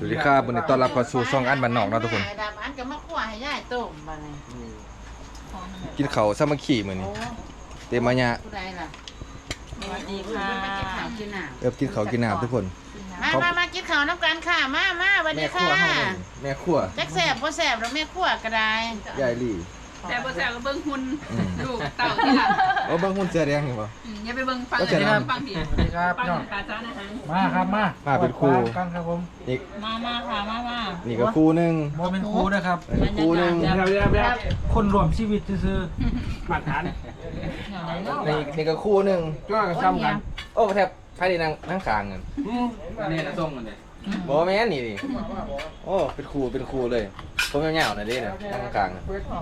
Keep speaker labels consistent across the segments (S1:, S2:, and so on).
S1: วัสดีครับวันนี้ต้อนรับเข้าสู่ช่องอันบ้านนอกนะทุกคน
S2: ดำอันก็มาคั่วให้ยายต้มบัดนี้
S1: กินข้าวสามัคคีมื้อนี้เตมายะ
S2: ผู้ใดล่ะ
S3: สวัสดีค่ะ
S2: มากินข้าวกินน้
S1: กินข้าวกินน้ำทุกคน
S2: ำมากินข้าวน้ำกันค่ะมาสวัสดีค่ะ
S1: แม่ครัว
S2: จักแซ่บบ่แซ่บแล้วแม่คั่วก็ได้
S1: ยายลี่
S3: แต่บ่แซวก็เบิ่งหุ่นลูกเต่าที่หลัง
S1: บางคนเสื้อแดงเห็นบ่
S3: อย่าไปเบิ่งฟัง
S1: ก็จะ
S3: เลย
S1: นั่
S3: นะ
S1: ง
S3: ฟังผิด
S4: สวัสดีครับ
S3: ฟัง
S4: พี่น้อง
S3: ปลาจ้านะฮะ
S4: มาครับมา
S1: มาเป็นครู
S4: กันครับผม
S1: นี่
S3: มาค่ะมา
S1: นี่ก็ครูหนึง
S4: โมเป็นครูนะครับ
S1: นี่ครูหนึง
S4: เดี๋ยวคนรวมชีวิตซื่อๆมาตรฐาน
S1: นี่ก็ครูหนึง
S4: ก็ซ้ำกัน
S1: โอ้แทบใครได้นั่งข้างกัน
S4: นี่นะส่งกันเลย
S1: บ่แม่นนี่ดิโอ้เป็นครูเลยผมยาวๆหน่อยดิเนี่ยนั่งข้างๆ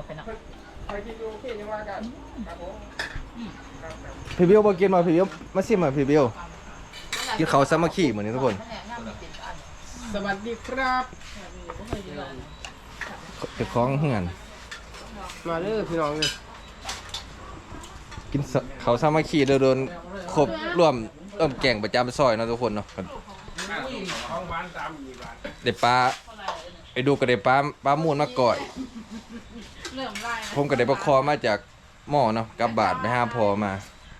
S1: พี่บิวบ่กินมาพี่บิวมาชิมมาพี่บิวกินข้าวสามัคคีมื้อนี้ทุกคน
S4: สวัสดีครับ
S1: เก็บของเฮือน
S4: มาเด้อพี่น้องเลย
S1: กินข้าวสามัคคีโดนครบรวมแกงประจำซอยเนาะทุกคนเนาะ
S4: ของบ้านตามอีบ้าน
S1: ได้ปลาไอ้ดูก็ได้ปลามูนมาก่อย ผมก็ได้ปลาคอมาจากหม้อเนาะกับบาดไปหาพอมา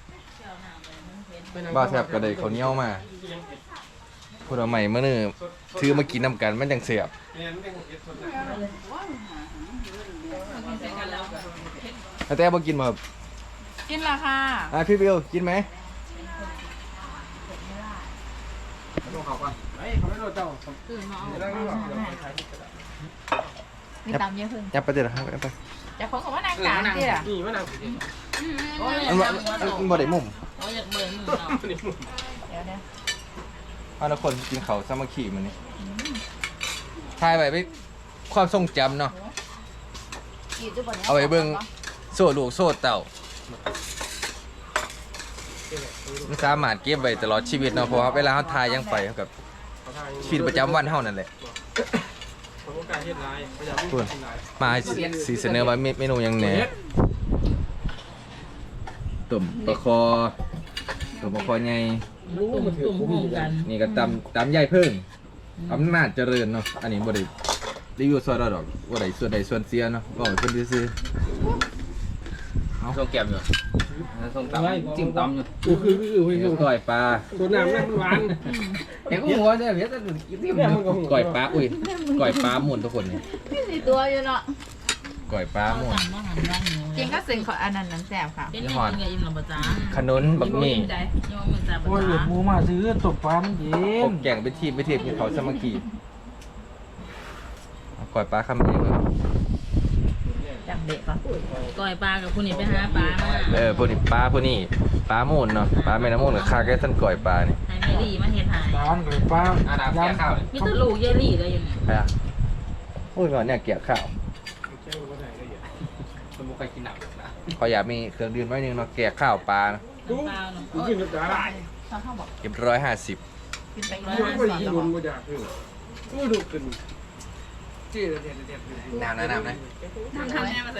S1: บ้าแทบก็ได้ข้าวเหนียวมาพูดเอาใหม่เมื่อนึถือมากินน้ำกันมันจังเสียบแต่บ่กินมาครับ
S3: กินละค่ะ
S1: พี่บิวกินไหม
S4: ต้องเขาก่อนเฮ้ยเขาไม่รู้เจ้า
S3: มีตามเยอะขึ้น
S1: ยับไปเดี๋ยวครับไป
S3: จะคนของว่านางกลางที่ล่ะ
S4: นี่มันเอา
S1: มันบ่ได้มุม
S3: เขาอยากเบิ่งมือเราเดี๋ยว
S1: เอาละคนกินข้าวสามัคคีมันนี่ถ่ายไว้เป็นความทรงจำเนาะเอาไว้เบิ่งโซ่ลูกโซ่เต่ามันสามารถเก็บไว้ตลอดชีวิตเนาะเพราะว่าเวลาเขาถ่ายยังไปเท่ากับชีวิตประจำวันเฮานั่นแหละ
S4: ผมก็การเฮ็ดลายพยายาม
S1: พูดมาสีเสนอว่าเมนูหยังแหน่ตุ่มปลาคอใหญ่
S4: รู้มันถือผมอยู่กัน
S1: นี่ก็ตำใหญ่เพิ่งอำนาจเจริญเนาะอันนี้บ่ได้รีวิวซอยดอกบ่ได้ส่วนใดส่วนเสียเนาะบอกให้เพิ่นซื่อๆเอาส่งแก้มอยู่ส่งตำจิ้มตำอยู่
S4: คือ
S1: ก้อยปลา
S4: ตัวน้ำนั่นมันหวาน
S1: เห็นกูหัวเด้อเฮ็ดแต่กินก้อยปลาอุ้ยก้อยปลาหมุนทุกคนนี่
S3: มีตัวอยู่เนาะ
S1: ก้อยปลาหมุน
S3: จริงก็สิ่งของอันนั้นน้ำแซ่บค่ะ
S1: ยี่ห้อขนุนบักหมี่
S4: โอ้ยหมูมาซื้อตบปลามันเย็
S1: ผ
S4: น
S1: มแกงเป็นทีมกินเขาสามัคคีเอาก้อยปลาคำเดียวเลย
S3: จับเด็กป่ะก้อยปลากับผู้นี้ไปหาปลามา
S1: พวกนี้ปลาหมุนเนาะปลาแม่น้ำมูนกับคาแก่ท่านก้อยปลานี่
S3: ให้แม่ลี่มาเฮ็ดหาย
S4: ร้านกับปลา
S3: มีแตลูกเยลี่เลยอยู่นี่
S1: ใช่อ่ะโอ้ยก่อนเนี่ยเกี่ยวข้าวขออยากมีเครื่องดื่มไว้หนึงเนาะแกะข้าวปลานะ
S3: น้ำเปล่าเนาะ
S4: กินกับอะไร
S1: เก็บ150
S3: กินไป
S4: มันก็ยิงลุนก็อยากคือไม่ดูขึ้นจี้เด็ด
S1: น้ำนะ
S3: ทำแม่มาสิ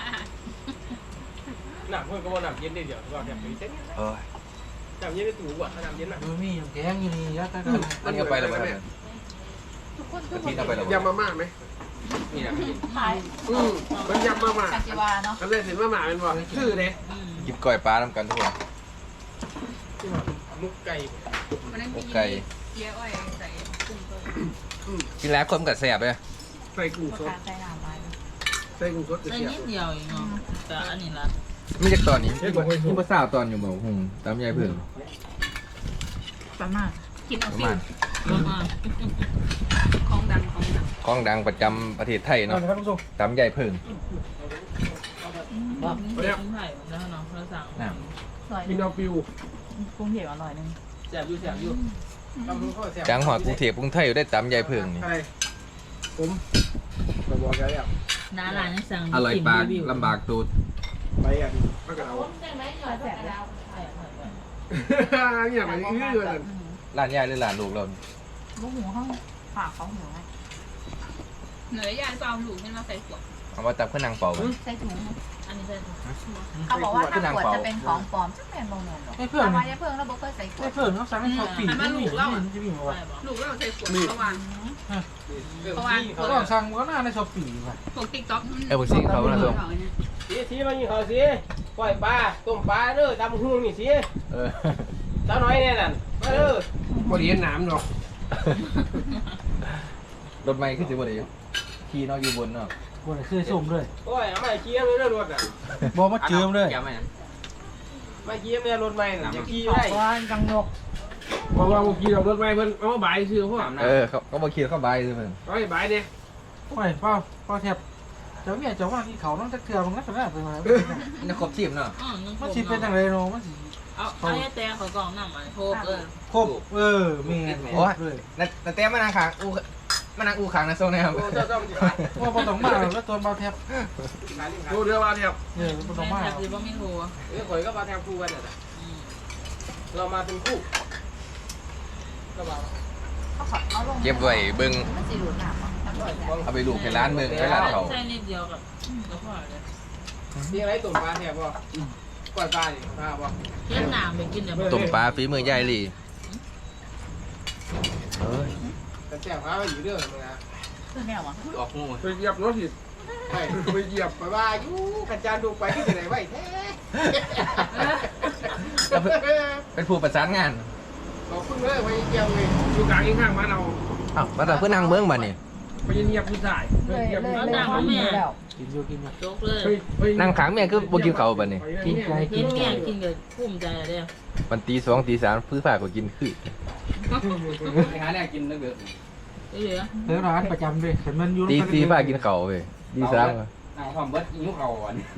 S4: หนักเพื่อนก็ว่าหนักเย็นได้เดี๋ยวเราแบบนี้เซ็ต
S1: โอ้ย
S4: หนักเย็นได้ถูกว่ะถ้าหนักเย็นอ่ะมีอย่างแกงอยู่นี่ยัดตะกัน
S1: อันนี้เอาไปแล้วไหมกะทิเอาไปแล้ว
S4: ยำมาม่าไหม
S1: นี่นะ
S4: มันยำมาม่า
S3: กัจิวาเนาะ
S4: ก็เลยเห็นมาม่าเป็นว่าชื่อเลย
S1: กินก้อยปลาทำกันทุกคน
S4: มุกไก่
S1: โอไก่
S3: เยอะอ้อยใส่กุ้งต้ม
S1: กินแล้วคนกับแสบเลย
S4: ใส่กุ้งสด
S3: ใส่น้ำไป
S4: ใส่กุ้งสด
S3: ใส่นิดเดียวเองเนาะแต่อันนี้ละ
S1: ไม่จากตอนนี้ที่ภาษาตอนอยู่บอกหงตามยายเพิ่ง
S3: ประมาณกิน
S1: ป
S3: เอา
S1: ระ
S3: สิ
S1: มาณ
S3: ของดัง
S1: ของดังประจำประเทศไทยเนาะ
S4: ครับทุกท่าน
S1: ตามยายเพิ่ง
S3: เดี๋ยวไผ่แล้วเนาะเราสั่ง
S1: น้
S4: กินเอาฟิว
S3: กุ้งเหี่ยวอร่อยนึง
S4: แสบอยู่ทำรู้ก็แสบ
S1: ำจังหอดกรุงเทพกรุงไทยอยู่ได้ตามยายเพิ่งนี่
S4: ใช่ผมบอกแล้ว
S3: น้าหลานยังสั่ง
S1: อร่อยปากลำบากตูด
S4: ไปอ่ะมากระเอาอย่างไรอื้อเลย
S1: ร้านยายหรือร้านลูกเรา
S3: ลูกหูห้องฝากเขาหูไหม
S5: เหนือยายเปล่าหลูกให้มาใส่ขวด
S1: เอามาจับขึ้นนางเป่าไป
S2: ใส่ถุง
S3: อันนี้ใช่ไหม
S2: เขาบอกว่าถ้าขวดจะเป็นของปลอมจะเป็นโมโนหรอก
S5: ให้เพื่อน
S2: ทำไมเพื่อนเราบอกเคยใส่ขว
S5: ให้
S2: ด
S5: เพื่อนเขาสั่งให้เขาปีกไม่มีจะมีมาว่า
S3: ใช่ปะ
S6: ลูกเราใส่ขวดระวัง
S4: เพราะ
S6: ว่า
S5: เขาต้องสั่งก็น่าในช้อปปี้ว่ะ
S6: พวกติ๊กต็อก
S1: บุสิงเขานะส่ง
S4: สีมันยิงเขาสีปล่อยปลาต้มปลาเด้อตำหุ่งนี่สี
S1: เออ
S4: เจ้าน้อยเนี่ยนั่นมาเด้อบ่ได้เห็นน้ำหรอก
S1: รถไม้ขึ้นสิบ่ได้ขี่เนาะอยู่บนเนาะ
S5: บนคือส้มเลย
S4: โอ้ยเอามาเคี้ยวเลยรถอ่ะ
S5: บอกมาเจิมเลย
S4: มาเคี้ยวเนี่ยรถใหม่น่ะจะขี่ได้
S2: ว่ากังนก
S4: เพราะว่าเมื่อกี้เรารถใหม่เพิ่นเอามาบายซื้อพวก
S1: เออเขาบ่ขี่เข้าใบซื่อเพิ่น
S4: เอาให้บายเนี่ย
S5: โอ้ยเป้าแทบเจ้าเมียเจ้าว่าที่เขาต้องจักเถื่อมันก็จะได้ไปมา
S1: มันจะครบทีมเนาะ
S5: มันสิเป็นอะไรเนาะมันสิ
S3: เอาให้แต่เขากล่องน้ำมันโคก
S5: ครบแม่ครบเลย
S1: แต่แต้มมานางขางอูมานางอูขางนะส่งนะครับ
S4: โอ้เจ้ามันสิขาย
S5: ว่าบ่ต้องมาแล้วตัวเบาแทบ
S4: ดูเรือว่าแทบ
S5: บ่ต้องมา
S3: แบบที่ว่าไม่โทร
S4: ข่อยก็มาแทบคู่กันน่ะเรามาเป็นคู่ก็ว่า
S2: เขาลง
S1: เก็บไว้เบิ่ง
S2: มันสีหลุดหนามอ่ะ
S1: เอาไปลูกให้ร้านเบิ่งให้ร้านเขา
S3: ใช่นิดเดียวกับแล้วพอเลย
S4: นี่อะไรตุ่มปลาแทบบ่ปล่อยปลาดิปลาบ่
S3: เลี้ยงหนามไปกินเดี๋ยว
S1: ต้มปลาฝีมือยายหลีเอ้ย
S4: แต่แซ่บปลาอยู่เด้อมึงนะ
S2: คือแนวอ่ะ
S1: ออกงู
S4: ไปเหยียบรถผิดไปเหยียบไปว่าอยู่กันจานดูไปที่ไหนไว้แท้
S1: เป็นผู้ประสานงาน
S4: ขอบคุณเลยไปเหยียบเลยอยู่กลางข้างมาเรา
S1: อ้าวมาแต่เพื่อนนางเบิ่งบัดนี้
S4: ไปเหยียบผู้ชาย
S2: เลยแล้ว
S5: กินอยู่กิน
S3: โจ๊กเลย
S1: นางขางแม่คือบ่กินข้าวบัดนี้
S5: กินไก่
S3: กินเมี่ยงกินกับภูมิใจเลย
S1: มันตี 2 ตี 3พื้นผ้าก็กินคือ
S4: ไปหาแนวกินนะเด้อ
S3: เหลือ
S5: เดี๋ยวร้านประจำด้วยแต่มันอยู่
S1: ตี4ผ้ากินข้าวเว้ยตี3
S4: นางความเบิดยิ้วเขาอ่ะนี่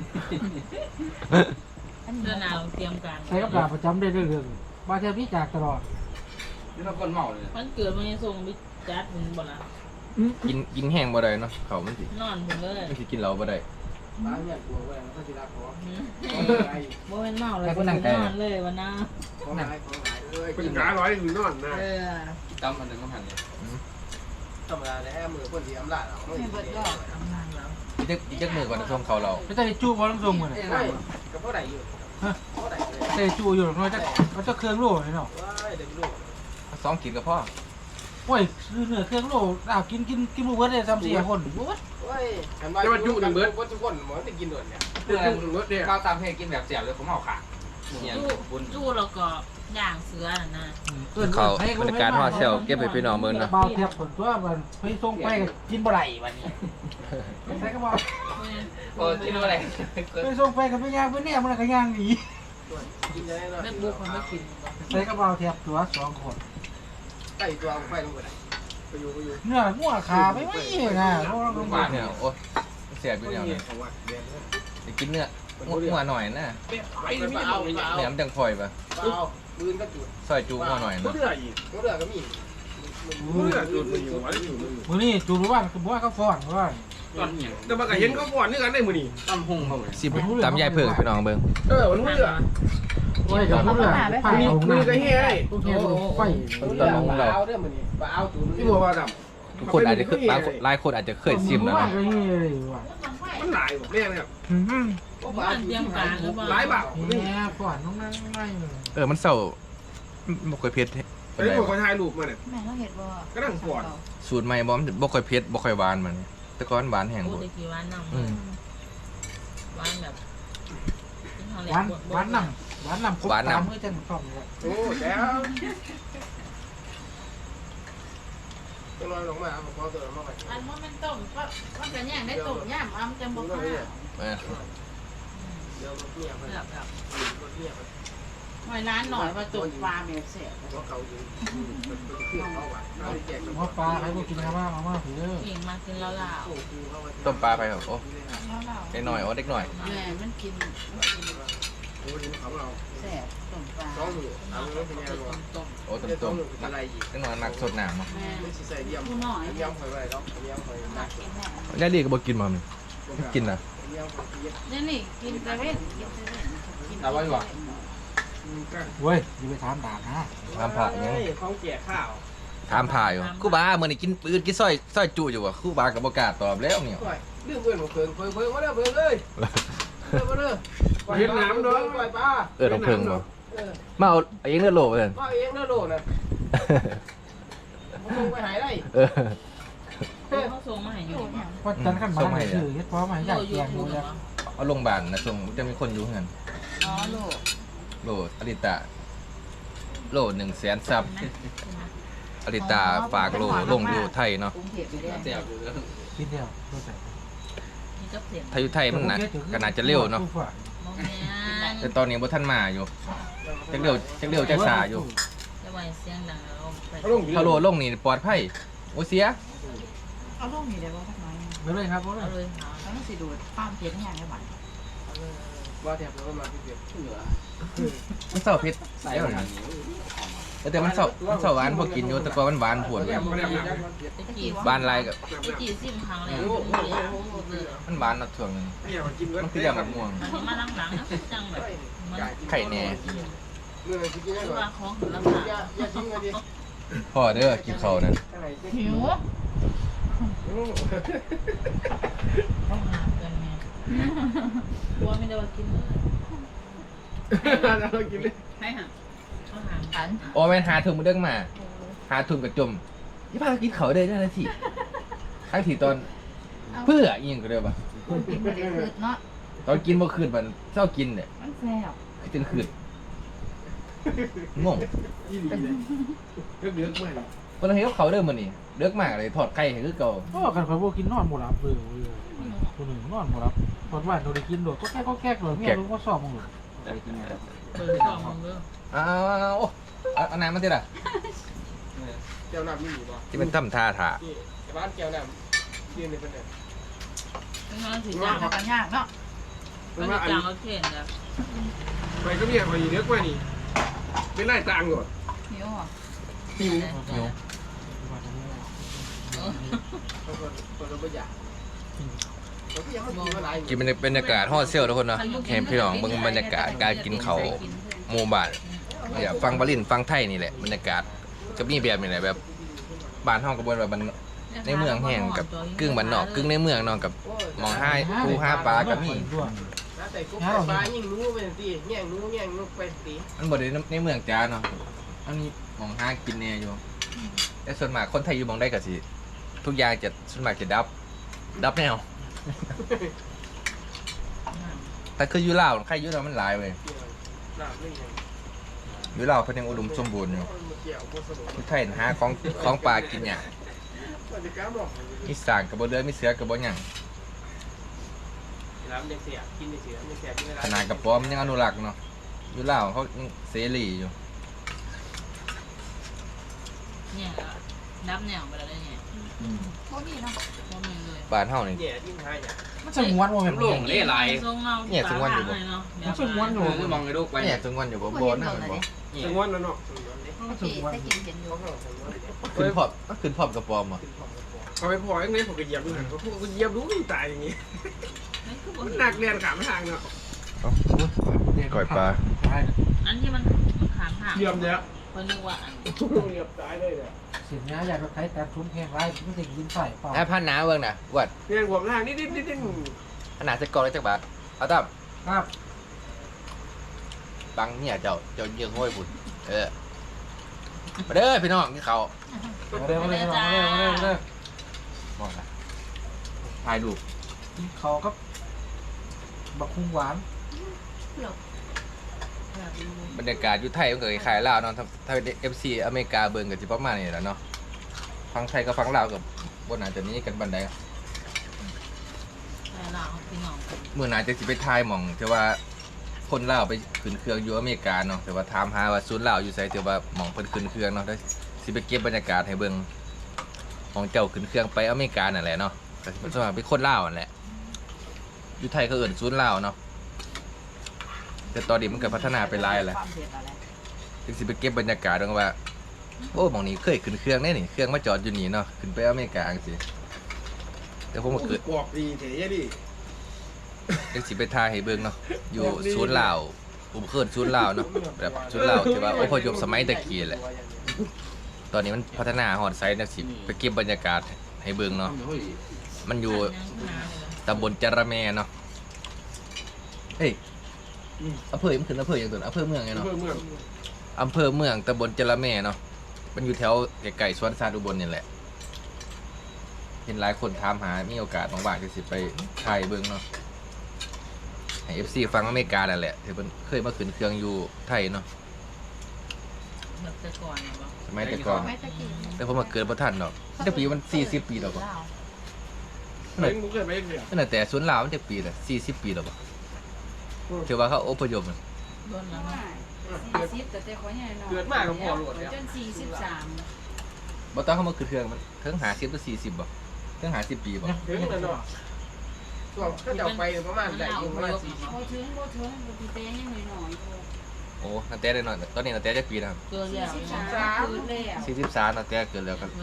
S3: เพื่อนนาวเตรียมการ
S5: ใช้กับดาประจำได้เรื่องบาแทบนี่จากตลอด
S4: นี่เราคนเมาเลย
S3: มันเกิดมันยังส่งไปจัดผมบ่ละ
S1: กินแห้งบ่ได้เนาะข้าวมันสิ
S3: นอนผมเลย
S1: มันสิกินเหล้าบ่ได้
S4: บ้านเนี่ยกลัวเว้ยมันก็สิรักขอ
S3: บ่เป็นเมาเลยนอนเลยวันน้า
S4: ของหายเอ้ยกินขาร้อยถึงนอนนะ
S1: ตำมันนึงก็หันนี่
S4: ธรรมดาแล้วมือคนที่อำลาเราไม่
S2: ให้เบิดก็
S1: อีกจักมื้อก่อนส่งเขาเรา
S5: ไม่ได้จูบอลต้องส่งเหมือน
S4: ใช่กับพ่อใดอยู่พ่อใดเลย
S5: ได้จูอยู่น้อยจะมันจะเครื่องโล่เนาะ
S4: ว้ายเด็กลูก
S1: 2กินกับพ่อ
S5: โอ้ยซื้อเนื้อเครื่องโล่กินมือเบิร์ดได้3-4 คน
S4: ว้ายจะมาจุกันเบิดว่าทุกคนหมอจะกินด่วนเนี่ยจุกันเบิดเนี่ย
S1: ข้าวตามให้กินแบบเสียบเลยผมเอาขาเนี่ย
S3: จู้แล้วก็ย่างเสือน่ะ
S1: เขาบรรยากาศฮอดเซลเก็บไปพี่น้องเบิ่งนะ
S5: เบาเทียบผลตัวมันไปส่งไปกินบ่ไหลวันนี้ใส่กระบอก
S1: โอ้กินอะไร
S5: ไปส่งไปกับไปย่างไปเนี่ยมันก็ย่างหนี
S4: กินได้เนาะ
S3: ไม่บุกมันไม่กิน
S5: ใส่กระเป๋าเทียบตัว2 คน
S4: ไก่ตัวไฟลงไปไหนไปอยู่
S5: เนื้องัวขาไม่นะเพราะ
S1: โรงพยาบาลเนี่ยโอ้เสียบอยู่เนี่ย
S4: ของวัดเดียน
S1: จะกินเนื้องัวหน่อยนะ
S4: ไปไม่เอา
S1: เนื้อมันจังพลอยปะ
S4: เอาปืนก็จุด
S1: ซอยจูงัวหน่อยนะ
S4: เรืออีกเรือก็มีเรือจุดมันอยู่วันอยู่
S5: มือนี่จูบว่าคือว่าเขาฟ้อนว่า
S4: แต่มาก็เห็นเขาก่อนนี่กันได้มือนี่ตั้มหงเขาเลย
S1: สิตำยายเพิ่งพี่น้องเบิ่ง
S4: มันเรือ
S5: โอ้ยกับมือไฟ
S4: มือก็เฮ้ย
S5: พวกเนี้ยไฟ
S1: ตำของเรา
S4: เอาเรื่องมือนี่เอาจุดที่บัวว่าดำ
S1: ทุกคนอาจจะเคยบางคนหลายคนอาจจะเคยชิมแล้ว
S5: ว่า
S1: นะ
S5: ก็นี่เลยว่ะ
S4: มันหลายแบบนี้นะครับ
S3: มันเตรียมการหรือเปล่า
S4: หลายบาท
S5: เนี่ยฟ้อนน้องนั่งไม่
S1: มันเศร้าบ่ค่อยเผ็ด
S4: ไอ้พวกเขาถ่ายรูปมาเนี่ย
S2: แม่เราเห็นว่า
S4: ก็นั่งปวด
S1: สูตรใหม่บ่มันบ่ค่อยเผ็ดบ่ค่อยหวานมันแต่ก่อนหวานแห้ง
S3: โอ้
S1: บ่
S3: ตะกี้หวานน้ำหวานแบบ
S5: หวานน้ำครบตามเมื่อจังชอบเลย
S4: โอ้แล้วจะลอยลงมาผมเอาตัวมาไป
S2: อันว่ามันต้มก็มันจะย่างได้ต้มย่ำอ้ำจะบอกว่า
S4: เดี๋ยวรถเนี่ยมันรถเนี่ยมัน
S2: หน่อยร้านหน่อยว่าต้มปลาเมลเสีย
S4: รถเขาอยู่เครื่องเขาอ่ะเขาแจก
S5: ว่าปลาใครก็กินกันบ้างเอามาถือ
S3: เก่งมากินแล้วล่ะ
S1: ต้มปลาไปครับโอ้เด็กหน่อยโอ้เด็กหน่อย
S2: แม่มันกิน
S4: โอ้ดิเขาเรา
S2: แสบต้มปลา
S4: สองมือเอาเงินเป็นยังไง
S3: ต้ม
S1: โอ้ต้ม
S4: สอ
S1: ต้
S4: ง
S1: ม
S4: มืออะไรอีก
S1: เด็กหน่อยมักสดน้ำเนาะ
S2: แม่
S4: ไม่ใช่เยี่ยมเยี่ยมคอยไว้แล้วเยี่ยมคอย
S2: มา
S4: นัก
S2: กินแม่
S1: ยายดีก็บ่กินมามันกินน่ะ
S4: เยี่ยมคอยเยี่ยม
S2: นี่นี่กินแต่เว้นกินแต่เว้นกิน
S4: ก็
S5: เว้ยอย่าไปถามด่านะ
S1: ทำผักยัง
S4: เขาแจกข้าว
S1: ถามถ่ายอยู่ครูบามื้อนี้กินปืนกินซอยจุอยู่บ่ครูบาก็บ่กล้าตอบแล้วเนี่ย
S4: เรื่องเพื่อนของเพิ่งมาเด้อเพิ่งเอ้ยมาเด้อเฮ็ดน้ำเด้อปล่อยปลา
S1: ต้องเพิ่งบ่มาเอาเองเด้อโลเพิ่น
S4: มาเองเด้อโดน่ะมาส่งไปหายได้
S3: เขาส่งมาให้อยู่
S5: เพราะจันขันมาถือเฮ็ดพร้อมมาอยากแกงดูแล้ว
S1: เอาโรงพยาบาลนะส่งจะมีคนอยู่เฮือน
S2: อ๋อลูก
S1: โลอลิตาโล100,000ซับอลิตาฝากโลลงอยู่ไทยเนาะ
S2: กรุงเทพไปเรื่อย
S4: เสียบอยู่แล้ว
S5: กินเดียวรู้จัก
S3: นี่ก็เสียง
S1: ไทยอยู่ไทยมันนะก็น่าจะเร็วเนาะ
S3: มองแม่
S1: แต่ตอนนี้บ่ทันมาอยู่จักเร็วจักช้าอยู่
S3: จะไหวเสียงดังแล้วไป
S1: พอโลลงนี่ปลอดภัยโอ้เสีย
S2: เอาลูกนี่ได้บ่สักหน่อย
S5: ไม่เลยครับ
S3: เอาเลยหา
S2: ต้องสิดูดความเพียรแห้งได้บัด
S4: ว่าแถบแล้วมาที่เสียบเหนือ
S1: มันเศร้าเผ็ดเดี๋ยวนะแต่มันเศร้าหวานพอกินอยู่แต่ก็มันหวานผวน
S3: ตะกี้
S1: หวานหลายก็
S3: ตะกี้ซิมครั้งแล้วเลย
S1: มันหวานเนาะช่วงนึง
S4: เนี่ยกิน
S1: มันคืออย่างมะม่วง
S3: มันมาหลังๆนะจังแบบมัน
S1: ไข่แหน่
S4: เมื่อกินได้
S3: คือ
S4: ก่อ
S3: ว่าน ของถึงราคา
S4: อย่าทิ้งเลยดิ
S1: พ่อเด้อกินข้าวนั่น
S2: หิว
S3: ต้องหากันไงกลัวไม่ได้ว่ากินเลย
S4: เรากินเลย
S3: ให้หาต้องหา
S2: อัน
S1: โอ้แม่นหาถุงมาเด้งมาหาถุงกระจมยี่ป้ากินข้าวได้จังได๋สิทั้งที่ตอนเพื่ออีหยังก็ได้บ่
S2: กินบ่ได้คืดเนาะ
S1: ตอนกินบ่คืนมันเช้ากินเนี่ย
S2: มันแซ่บ
S1: คือจังคืนงง
S4: ยี่ดีเลยเลือกมา
S1: เพิ่นเฮ็ดกับข้าวเด้อมื้อนี้เลิกมากเลยทอดไข่ให้คือเก่า
S5: ก็กันคอยพวกกินนอนหมดรับเลยตัวหนึ่งนอนหมดรับตอนว่าเราได้กินโดดก็แค่เลยเมียรู้ว่าสอบมึงหรอ
S3: เปิดกล่องมึงเด้อ
S1: อ้าวโอ้เอาน้ำมาสิล่ะ
S4: แก้วน้ำมีอยู่ป่ะ
S1: ที่มันทำท่าถ่า
S4: นี่บ้านแก้วน้ำยืนในประเด็น
S3: น้องสิ
S2: ยา
S3: จ้าก ง
S2: กันยากเนาะ
S3: ก็สิจ้างเอาเข็นจ้ะ
S4: ไปก็มีอะไรเลือกมานี่เป็นไรต่างก่อน
S2: หิวอ่ะ
S4: หิว
S1: หิว
S4: คนเราไม่อยากเราก็ยังไม่กินอะไร
S1: กินบรรยากาศฮอดเซลทุกคนเนาะเห็นพี่น้องเบิ่งบรรยากาศการกินข้าวหมู่บ้านอย่าฟังบาลินฟังไทยนี่แหละบรรยากาศก็มีแบบนี่แหละแบบบ้านเฮาก็บ่แบบมันในเมืองแห้งกับกึ่งบ้านนอกกึ่งในเมืองเนาะกับหมองห้าปูห้าปลาก็มี
S4: แต่กุ๊กปลายิ่งรู้เป็นตีแง่งรู้แง่งรู้เป็นตี
S1: มันบ่ได้ในเมืองจ้าเนาะมันมีหมองห้ากินแน่อยู่แต่ส่วนมากคนไทยอยู่หมองใดก็สิทุกอย่างจะส่วนมากจะดับแนวแต่คืออยู่ลาวใครอยู่ลาวมันหลายเว้ย
S4: น้ำไม่ยัง
S1: อยู่ลาวเพิ่นยังอุดมสมบูรณ์อยู่
S4: เกี่ยวกับสมุน
S1: ที่ไทยหาของปลากินหยัง
S4: มันจะกล้าบอก
S1: มีสร้างก็บ่เดือมีเสือก็บ่หยัง
S4: น้ำเด็กเสียกินเด็กเสียไม่เสียกินอะไร
S1: ขนาดกระป๋อมยังอนุรักษ์เนาะอยู่ลาวเขายังเสรีอยู่
S3: เนี่ยนับแนวไปแล้วเนี่ย
S2: บ่มีเนาะ
S3: พวกมึงเลย
S1: บ้านเฮานี่
S4: เนี่ยทิ้งท้ายเนี่ย
S5: มันจะม้วนว่าเป็น
S3: ทรงเงา
S1: มองในลูกไปเนี่ยจังหวัดอยู่บ่บ่นะมันบ่
S4: ถึงวันแล้วเนาะ
S2: โอเคแต่กินเห็นอยู่
S1: ขึ้นพอบกระป๋อมอ่ะ
S4: เขาไปพอยังไงผมก็เหยียบดูหนังเขาพูดก็เหยียบรู้ไม่ตายอย่างงี้หนักเรียนขาไม่ทางเนาะ
S1: ก่อยปลา
S3: อันที่มันขางห่าง
S4: เหยียบเยอะ
S3: คนนึกว่าอัน
S4: เหยียบตายเลยเนี่ย
S5: เสียงนี้อยากจะใช้แต่ทุนแข่งไรไม่ถึงยินใส่เปล่า
S1: ไอ้พันหนาเบิ่งน่ะวัด
S4: เรียนผมทางนิด
S1: ขนาดจะกรอกได้จักบาทเอาตั้ม
S5: ครับ
S1: บังเนี่ยเจ้าเยืองห้อยพุ่นมาเด้อพี่น้องกินข้าว
S5: มาเลย
S1: บอกนะถ่ายรูป
S5: เขาก็บักคุ้งหวาน
S1: บรรยากาศอยู่ไทยมันก็คล้ายๆลาวเนาะถ้า FC อเมริกาเบิ่งก็สิประมาณนี้แหละเนาะฟังไทยกับฟังลาวก็บ่น่าจะหนี้กันปานใด
S3: แต่เราพี่น้อง
S1: มื้อหน้าจะสิไปถ่ายหม่องแต่ว่าคนลาวไปขึ้นเครื่องอยู่อเมริกาเนาะแต่ว่าถามหาว่าศูนย์ลาวอยู่ไสแต่ว่าหม่องเพิ่นขึ้นเครื่องเนาะเดี๋ยวสิไปเก็บบรรยากาศให้เบิ่งของเจ้าขึ้นเครื่องไปอเมริกานั่นแหละเนาะก็สิเป็นส่วนมากเป็นคนลาวนั่นแหละอยู่ไทยเขาเอิ้นศูนย์ลาวเนาะแต่ตอนนี้มันก็พัฒนาไปหลายแล้ว
S2: ความเผ็ดอะไร
S1: ถึงสิไปเก็บบรรยากาศตรงว่าโอ้หม่องนี้เคยขึ้นเครื่องแน่นี่เครื่องมาจอดอยู่นี่เนาะขึ้นไปอเมริกาจังซี่แต่ผมก็เกิด
S4: กรอบดีเถียดิ
S1: จังสิไปถ่ายให้เบิ่งเนาะอยู่ศูนย์ลาวผมเคยศูนย์ลาวเนาะแบบศูนย์ลาวที่ว่าอพยพสมัยตะกี้แหละตอนนี้มันพัฒนาฮอดไซส์นักสิไปเก็บบรรยากาศให้เบิ่งเนาะมันอยู่ตำบลจระแมเนาะเอ้ยอำเภอมันขึ้นอำเภออย่างตัวอำเภอเมืองไงเนาะอำเภอเมืองตำบลจระแมเนาะมันอยู่แถวไกลๆสวนสัตว์อุบลนี่แหละเห็นหลายคนถามหามีโอกาสว่างๆจะสิไปถ่ายเบิ่งเนาะให้ FC ฟังอเมริกานั่นแหละที่เพิ่นเคยมาขึ้นเครื่องอยู่ไทยเนาะ
S3: แบบแต่ก่อนบ่
S1: สมัยแต่ก่อน
S2: ไม่ตะกี้
S1: แต่ผมมาเกิดบ่ทันดอกแต่ปีมัน40 ปีแล้วบ่
S4: เฮ้ยมึงเกิดไปเรื่อย
S1: นั่นแต่ศูนย์ลาวมันจะปีละ40 ปีแล้วบ่ถือว่าเขาอพยพมัน
S3: โดนแล้วเนาะ
S6: 40แต่ขอใหญ่หน่อย
S4: เกิดมากกับพ่อหลวดแล้ว
S6: จน43
S1: บ่ต้องเขามาขึ้นเครื่องมันถึง50หรือ40บ่ถึง50 ปีบ่
S4: ถึงแล้วเนาะช่วงก็จะไปประมาณได้อยู่ประมาณ40
S6: บ่ถึงบ่พี่เต้ยังน้อยๆอยู่
S1: โอ้ตั้งแต่ได้หน่อยตอนนี้ตั้งแต่จักปีแล้ว
S3: เกินแล้ว
S6: 43คือแล้ว
S1: 43ตั้งแต่เกิดแล้วกัน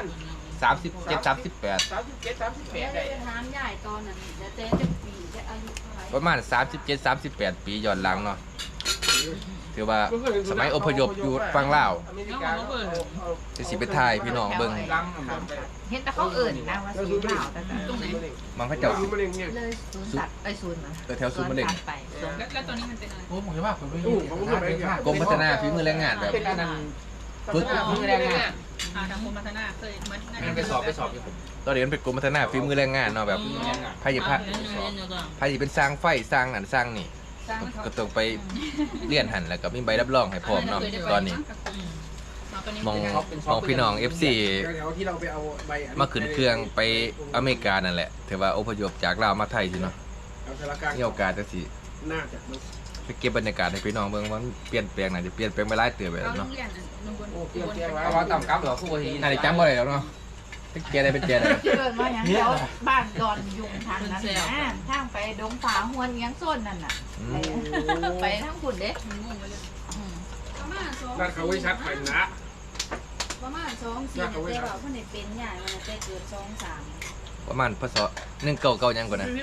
S1: 37 38
S4: 37 38ได้
S6: จะถามยายตอนนั้นจะเต้จะปีจะอายุเท่าไหร่
S1: ประมาณ37 38 ปีย้อนหลังเนาะถือว่าสมัยอพยพอยู่ฝั่งลาว
S4: อเมริกา
S1: จะสิไปถ่ายพี่น้องเบิ่ง
S4: ลังแบบไป
S2: เห็นแต่เขาเอิ่นนะว่าสีขาวแต่
S3: ตรงไหน
S1: มันเขาเจ้าสิ
S4: มะเร็งเนี่ย
S2: เลยศูนย์สัตว์ไอ้ศูนย์นะ
S1: แถวศูนย์มะเร็ง
S2: ไป
S3: แล้วตอนนี้มันเป็นอะไร
S5: โอ้ผมจะว่าผมไป
S1: กรมพัฒนาฝีมือแรงงานแบบ
S4: ฝึกมือแรงงาน
S3: ทางกรมพัฒนาเคยมัน
S4: ไปสอบอยู่
S1: ตอนนี้มันเป็นกรมพัฒนาฝีมือแรงงานเนาะแบบไผสิเป็นสร้างไฟสร้างอันสร้างนี่ก็ต้องไปเรียนหันแล้วก็มีใบรับรองให้พร้อมเนาะตอนนี้มองพี่น้อง FC
S4: ที่เราไปเอาใบ
S1: มาขึ้นเครื่องไปอเมริกานั่นแหละถือว่าอพยพจากลาวมาไทยสิเนาะมีโอกาสจังสิ
S4: น่าจะ
S1: ไปเก็บบรรยากาศให้พี่น้องเบิ่งว่ามันเปลี่ยนแปลงน่าจะเปลี่ยนแปลงไปหลายเติบไปแล้วเนาะ
S4: โอ้เปลี่ยนแปลง
S1: เอาว่าตำกับหรอคู่บ่ทีน่าจะจำบ่ได้แล้วเนาะเป็นแกได้เป็นแกได้
S2: เกิดมาอย่างเดียวบ้านดอนยุงทางนั้นนะทางไปดงฝาหวนยังโซนนั่นน่ะ ไปทางคุณเด้
S6: ประมาณ2
S4: นั่นเขาไว้ชัดไปนะ
S6: ประมาณ2 4แต่ว่าเพิ่นได้เป็นใหญ่มันได้เกิด2 3
S1: ประมาณพศ199ยังก่อนนะ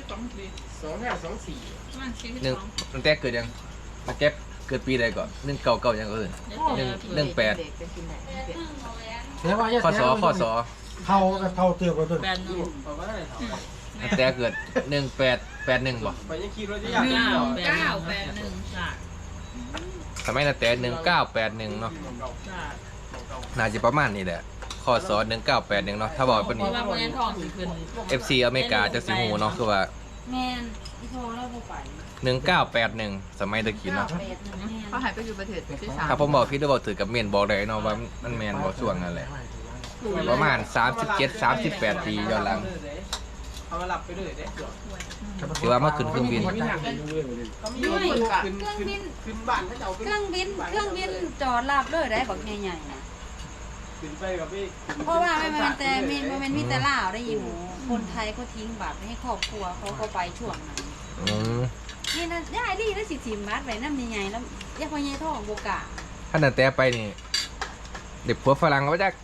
S4: 2524
S1: ตั้งแต่เกิดยังตั้งแต่เกิดปีใดก่อน199ยังก็เอิ้น 18
S5: เดี๋ยวว่า
S1: ข้อสอ
S5: เท่ากับเท่าเตือนกันตัว
S3: แบนนึง
S4: เอาไว้ให้เขา
S1: ตั้งแต่เกิด1881บ่
S4: ไปยังคิดว่าจะอยากได้หรอ
S3: 981จ้ะ
S1: สมัยตั้งแต่1981เนาะ
S3: จ้ะ
S1: น่าจะประมาณนี้แหละข้อสอ1981เนาะถ้าบอกปาน
S3: เพ
S1: นี้
S3: ราะว่าพวกนี้ทองสิขึ้น
S1: FC อเมริกาจะสิฮู้เนาะคือว่า
S6: แม่นอีพอเราบ่ไป
S1: 1981สมัยตะกี้เนาะ
S6: 981แม่น
S2: เขาหายไปอยู่ประเทศที่สาม
S1: ถ้าผมบอกพี่ได้บอกถือกับเมนบอกได้เนาะว่ามันแมนบอกช่วงนั่นแหละประมาณ37 38 ปีย้อนหลัง
S4: เอามาหลับไปด้วยเด้
S1: ถือว่ามาขึ้นเครื่องบิน
S4: เขามีขึ้นบ้านเขาจะเอา
S6: เครื่องบินจอดรับเลยได้บักใหญ่ๆนะ
S4: ขึ้นไปกับพี่
S6: เพราะว่ามันมีแต่ลาวได้ยินหนูคนไทยเขาทิ้งบัตรให้ครอบครัวเขาก็ไปช่วงนั้น
S1: อืม
S6: นี่นั่นยายลี่ได้สิทิมบัตรไว้น้ำใหญ่ๆแล้วยายพ่อใหญ่ท้องโบกะ
S1: ถ้านั่นแต่ไปนี่เด็กผัวฝรั่งเขาจัก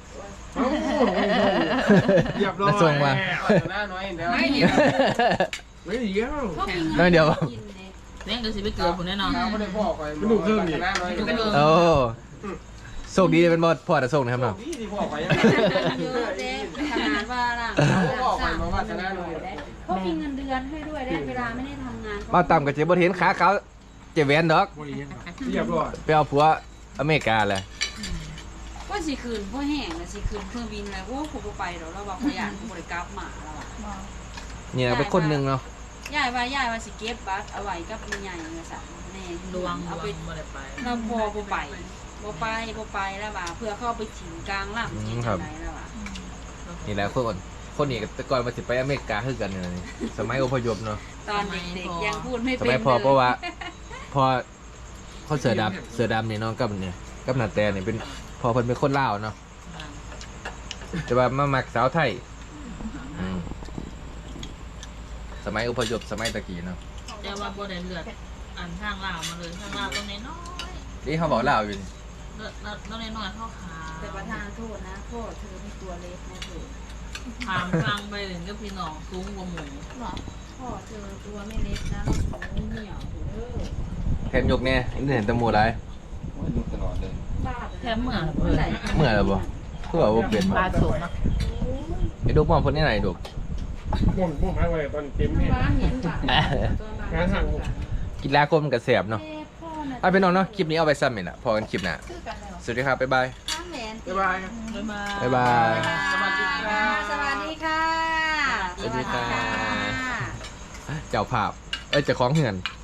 S4: เหยียบลง
S1: แล้วส่งมา
S4: หน้าน้อยเดี๋ยวไม่เดียว
S6: เขามี
S1: น้อยเดียว
S6: กินเลย
S3: เลี้ยงก็สิไปเกลือผมแน่นอน
S4: เราไม่ได้พ่อคอยมันดูเครื่องนี่หน้าน้อย
S1: โอ้โชคดีเป็นบอดพ่อจะส่งนะครับเนาะ
S4: นี่ที่พ่อคอย
S6: เยอะเด้ขนาดว่าล่ะ
S4: พ่อคอยมาว่าชนะน้อย
S6: เขามีเงินเดือนให้ด้วยได้เวลาไม่ได้ทำงาน
S1: มาต่ำกับเจ๊บ่เห็นขาเขาเจ๊แหวนดอก
S5: บริเวณ
S4: เหยียบร้อย
S1: ไปเอาผัวอเมริกาเลย
S6: ว่าสิคืนพ่อแห้งนะสิคืนเครื่องบินแล้วโอ้กูบ่ไปดอกแล้วว่าเขาอยากกูบ่ได้กลับมาแล้วอ่ะ
S1: เนี่ยเป็นคนหนึ่งเนาะ
S6: ยายว่าสิเก็บบัตรเอาไว้กับแม่ใหญ่เงาสั่นแน่
S3: ดวง
S6: เอาไป
S3: บ่ได้ไป
S6: เราบ่ไปแล้วว่าเพื่อเข้าไปถิ่นกลางลำที่จังไดแล้วว่า
S1: นี่แหละคนนี้แต่ก่อนมาสิไปอเมริกาคือกันเนี่ยสมัยอพยพเนาะ
S6: ตอนเด็กๆยังพูดไม่
S1: ส
S6: เป็น
S1: มัยพอเพราะว่าพอเขาเสือดำนี่เน้องกับเนี่ยกับหนาแต่เนี่ยเป็นพอเพิ่นเป็นคนลาวเนาะแต่ว่ามามักสาวไทยอืมสมัยอพยพสมัยตะกี้เนาะ
S3: แต่ว่าบ่ได้เลือดอันทางลาวมาเลยทางลาวตรงน้อย
S1: นี่เขาบอกลาวอยู่นี่
S3: เลือดน้อยเท่าขา
S6: แต่ประธานโทษนะพ่อเธอมีตัวเล็กนะเธอ
S3: ถามฟังไปถึงก็พี่น้องสูงกว่าหมู
S6: พ่อเธอตัวไม่เล็กนะเราสูงเหนียวเด้อ
S1: แทนยกเนี่ยนี่เห็นแตะมูไร
S6: บ้า
S3: แค่เมื่อ
S1: เมื่อไหร่บ่
S6: เ
S1: เพื่อว่าเป็น
S3: ปลาสมเนาะ
S1: ไอ้ดูมองคนนี้ไหนดู
S4: ม่วงหายไปตอนเต็มเนี่ย
S6: บ้านเห็นป่ะ
S4: งานห่าง
S1: กินลาคมกับแสบเนาะเอาไปนอนเนาะคลิปนี้เอาไปซ้ำเนี่ยนะพอกันคลิปหน้า
S2: คือกันเลยเหรอ
S1: สวัสดีครับบ๊ายบาย
S6: ข้างแหวน
S4: บ๊ายบาย
S3: บ๊ายบาย
S1: บ๊ายบาย
S4: สวัสดีครับ
S6: สวัสดีค่ะ
S1: สวัสดีค่ะ เจ้าภาพเจ้าของเหือน